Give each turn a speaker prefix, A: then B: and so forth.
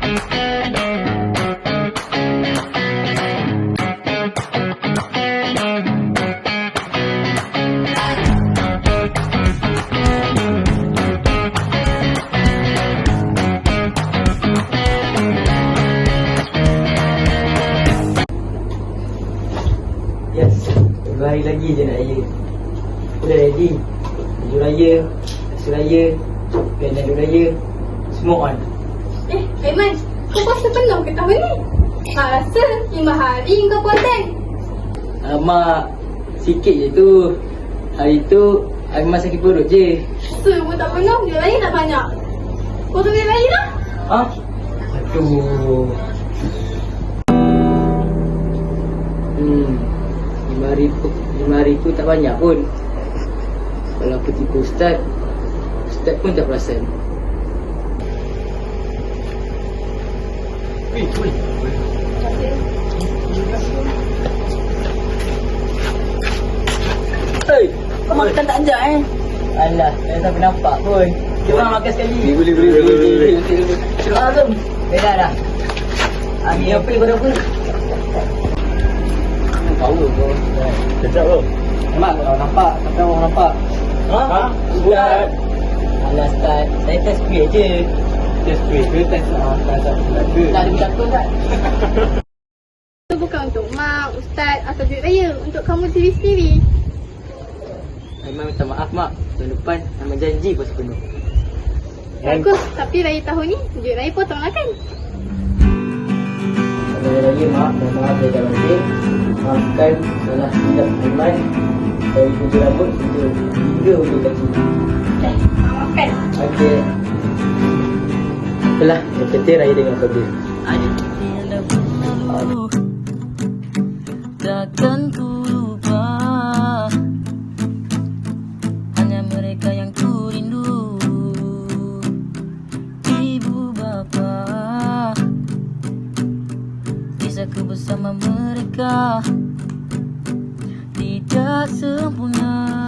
A: Yes, 2 hari lagi je nak raya. Aku dah ready. Baju raya, kasut raya, bandana raya, semua on.
B: Aiman, kau puasa penuh ke tahun ni? Mak rasa 5 hari kau puasa.
A: Alamak, sikit je tu. Hari tu, Aiman sakit perut je.
B: Semua tak penuh, duit raya tak banyak. Kau tu duit raya dah?
A: Ha? Aduh. 5 ribu tak banyak pun. Kalau aku tipu Ustaz, Ustaz pun tak perasan. Hei, kau makan tak ajak Alah, saya tak nampak pun. Kita orang makan sekali. Boleh. Terus Azam. Beda dah. Ni apa ni pada apa? Tahu kau.
C: Kejap bro.
A: Mak orang nampak, tapi orang nampak.
C: Ha?
A: Ustaz. Alah Ustaz, saya test quiz je.
C: Test quiz ke test ke?
A: Tak ada bercakap tak?
B: Itu bukan untuk mak, ustaz atau duit raya. Untuk kamu sendiri-sendiri.
A: Aiman minta maaf mak. Tahun depan Aiman janji puasa penuh.
B: Bagus, tapi raya tahun ni duit raya potonglah kan?
A: Kalau raya mak, mohon maaf saya dah balik. Maafkan salah silap Aiman. Dari hujung rambut hingga hujung kaki.
B: Maafkan.
A: Okey. Itulah, yang penting raya dengan kau.
D: Ada takkan ku lupa, hanya mereka yang ku rindu. Ibu bapa, bisa ku bersama mereka. Tidak sempurna